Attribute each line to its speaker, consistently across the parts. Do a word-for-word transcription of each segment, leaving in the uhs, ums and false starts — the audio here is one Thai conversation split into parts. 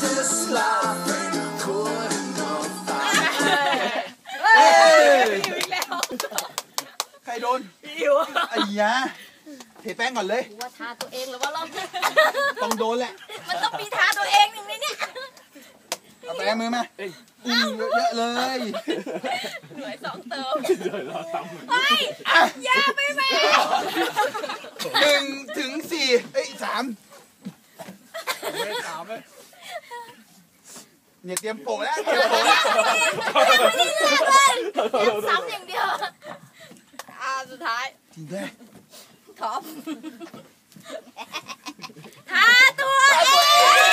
Speaker 1: ใครโดนอิวไอ้ยาเทแป้งก่อนเลย
Speaker 2: ว่าทาตัวเองหรือว่าเรา
Speaker 1: ต้องโดนแหละ
Speaker 2: มันต้องมีทาตัวเองอย่างนี้เนี่ย
Speaker 1: เอาแป้งมือมาอืมเยอะเลย
Speaker 2: หน่วยสองเติมเฮ้ยยาไปแม่
Speaker 1: หนึ่งถึงสี่เอ้ยสามไม่สามเลยเนี่ยเตรียมโปะแล้วเตรียมโปะแล้ว
Speaker 2: นี่เลือกเลยเตรียมซ้ำอย่างเดียวอ่าสุดท้าย
Speaker 1: จริงด้วย
Speaker 2: ท็อปทาตัวเอง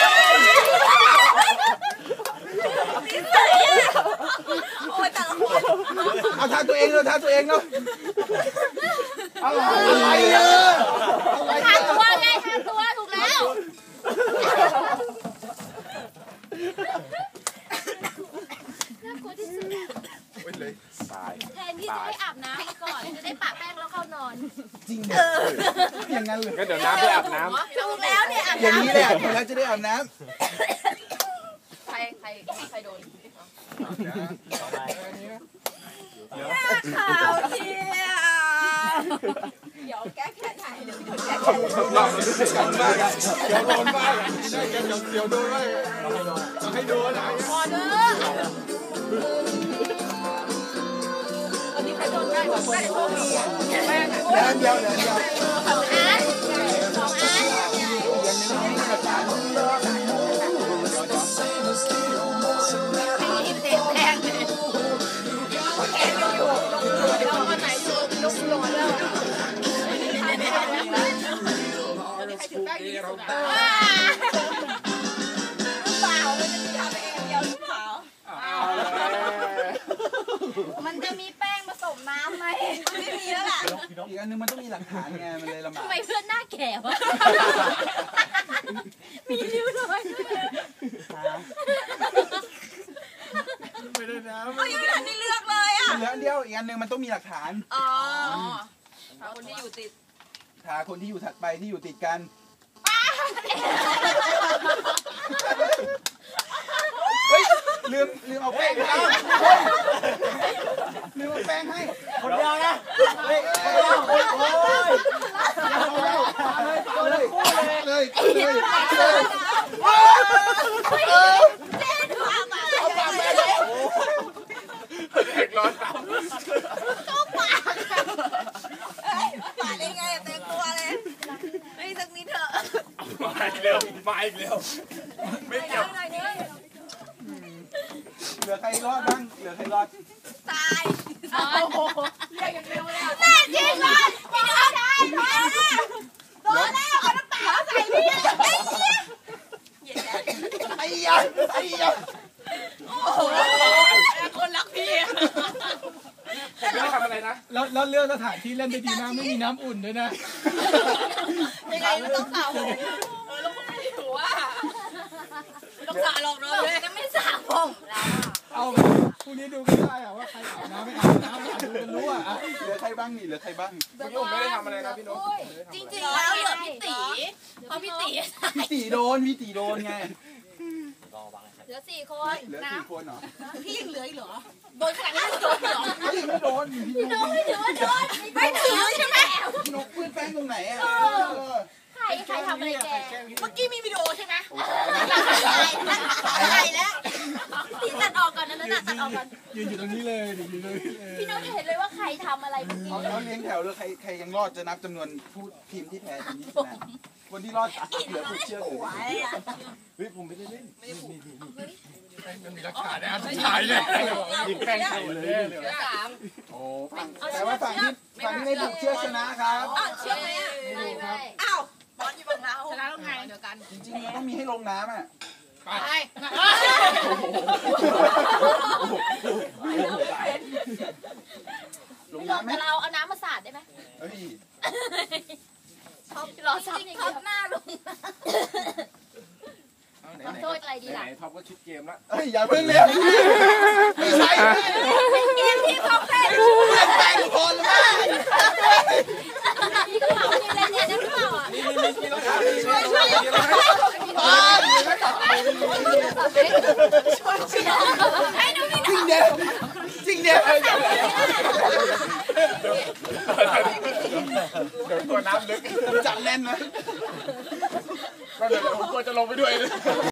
Speaker 2: โอ้ยแต่ละคน
Speaker 1: เอาทาตัวเองเลยทาตัวเองเนาะอะไรเยอะ
Speaker 2: ทาตัวไงทาตัวถูกแล้วน่ากลัวที่สุด
Speaker 1: เลย
Speaker 2: แทนที่จะให้อาบน้ำก่อนจะได้ปะแป้งแล้วเข้านอน
Speaker 1: จริงเหรออย่างนั้นเลย
Speaker 3: ก็เดี๋ยวน้ำไปอาบน้
Speaker 2: ำถูกแล้วเนี่ยอาบน้ำ
Speaker 1: อย่างนี้แหละแล้วจะได้อาบน้
Speaker 2: ำใครใครใครโดนข่าวเที่ยเดี๋ยวแก้แค้นถ่ายเดี๋ยวแก้แค้น
Speaker 1: เราจะได้กันมากเดี๋ยวโดนบ้างได้กันเดี๋ยวเดี๋ยวโดนบ้างต้องให้โดนนะ
Speaker 2: พอเด้อวันนี้ใครโดนได้กว่าคนได้โดนดีอ่ะแม่
Speaker 1: เดี๋ยวเดี๋ยวเดี๋ยวเดี๋ยว
Speaker 2: สองอันสองอันให้เต็มแรงเลยแกยังอยู่ลงตัวเดี๋ยวอันไหนอยู่ลงตัวแล้วใครถือแป้งดีสุดอ่ะเปล่ามันจะทำเองเดียวหรือเปล่ามันจะมีแป้งผสมน้ำไหมไม่มีแล้วล่ะ
Speaker 1: อีกอันนึงมันต้องมีหลักฐานไงมันเลยลำบาก
Speaker 2: ทำไมเพื่อนหน้าแก่วะมีริ้วรอย
Speaker 1: ไม่ได้นะ
Speaker 2: เขายังไม่ทันได้เลือกเลยอ่ะ
Speaker 1: เหลืออันเดียวอีกอันนึงมันต้องมีหลักฐาน
Speaker 2: อ๋อหาคนที่อยู่ติด
Speaker 1: หาคนที่อยู่ถัดไปที่อยู่ติดกันเฮ้ยลืมลืมเอาแป้งให้ลืมเอาแป้งให้
Speaker 3: คนเดียวนะเฮ้ยคนเดียวโอ้ย
Speaker 1: เลยเลยเลย
Speaker 2: เจ๊ดูอาบ
Speaker 1: เอาปากไปเลยเด็กร้อนเท้า
Speaker 2: เข้าปากเฮ้ยปากได้ไงเต็มตัวเลยไม่สักนิดเถอะ
Speaker 3: มาอีกเร็วมาอีกเร็วไม่เกี่ยว
Speaker 1: เหลือใครรอดบ้างเหลือใครรอด
Speaker 2: ตายโอ้โหเรียกอย่างเร็วเลยแน่จริงเลยไม่ได้ได้โดนแล้วโดนแล้วเอาน้ำตาใส่พี่ไอ้เหี้ย
Speaker 1: ไอ้ยันไอ้ยัน
Speaker 2: โอ้โหคนรักพี่
Speaker 3: ไม่ได้ทำอะไรนะ
Speaker 4: แล้วแล้วเรื่องสถานที่เล่นได้ดีมากไม่มีน้ำอุ่นด้วยนะ
Speaker 2: ยังไงต้องสาวผมเออแล้วผมไม่ได้หัวต้องสาวหรอกเนาะจะไม่สาวผมแล้ว
Speaker 4: เอาพรุ่งนี้ดูกันได้อะว่าใครอาบน้ำไม่อาบน้ำดูกันรู้อะ
Speaker 1: เหลือใครบ้างนี่เหลือใครบ้าง
Speaker 3: พี่นุ่มไม่ได้ทำอะไรนะพี่นุ่ม
Speaker 2: จริงๆแล้วเหลือพี่ตีเพราะพี่ตี
Speaker 1: พี่ตีโดนพี่ตีโดนไง
Speaker 2: เหลือสี่คน
Speaker 1: เหลือสี่คนเหรอ
Speaker 2: พี่ยังเหลืออีกเหรอโดนขนาดนี้โดนเหรอ
Speaker 1: พี่ไม่โดน
Speaker 2: พี่น้องไม่ถือว่าโดนไม่ถือใช่ไหม
Speaker 1: นกปืนแป้งตรงไหนอ่ะ
Speaker 2: ใครใครทำอะไรแกเมื่อกี้มีวิดีโอใช่ไหมถ่ายแล้วตีตัดออกก่อนนะนั่นตัดออกก่อน
Speaker 4: ยืนอยู่ตรงนี้เลยยืนเลย
Speaker 2: พี่น้องจะเห็นเลยว่าใครทำอะไรเมื่อกี้
Speaker 1: เขาเลี้ยงแถวเลยใครใครยังรอดจะนับจำนวนผู้ทีมที่แพ้ทีมนี้ชนะคนที่รอดเหลือผู้เชื่อถือ
Speaker 3: เฮ้ยผมไม่ได้เล่นไม่ได้ผูก
Speaker 4: มันมีหลักฐานนะถ่ายเลย
Speaker 3: ยิงแป้งใส่เลย
Speaker 1: โอ้แต่ว่าฝั่งที่ฝั่งที่ไม่ถูกเชื่อชนะครับ
Speaker 2: เชื่อไหมอ่ะไม่ไม่อ้าวบอลอยู่ฝั่งเราชนะแล้วไงเดียวกัน
Speaker 1: จริงๆมันต้องมีให้ลงน้ำอ่ะ
Speaker 2: ไป
Speaker 1: ลงน้ำไหม
Speaker 2: เราเอาน้ำมาสาดได้ไหม
Speaker 1: เฮ้ย
Speaker 2: ท็อปรอซับท็อปหน้าลงโทษอะไรดีล่ะ
Speaker 3: ท็อปก็ชุดเกมละ
Speaker 1: เฮ้ยอย่าเพิ่งเลี้ยงไม่ใช่
Speaker 2: เป็นเกมที่ท็อปเล่น
Speaker 1: แบ่งคนเลย
Speaker 2: นี่กระเป๋านี่เล่นเนี่ยได้หรือเปล่าอ่ะ
Speaker 3: นี่นี่นี่ช่วยช่วย
Speaker 2: ช่วยให้ดูพี่
Speaker 1: จริงเนี่ยจริงเนี่ย
Speaker 3: เดี๋ยวตัวน้ำลึก
Speaker 1: จับแน่นนะ
Speaker 3: ก็เดี๋ยวผมกลัวจะลงไปด้วย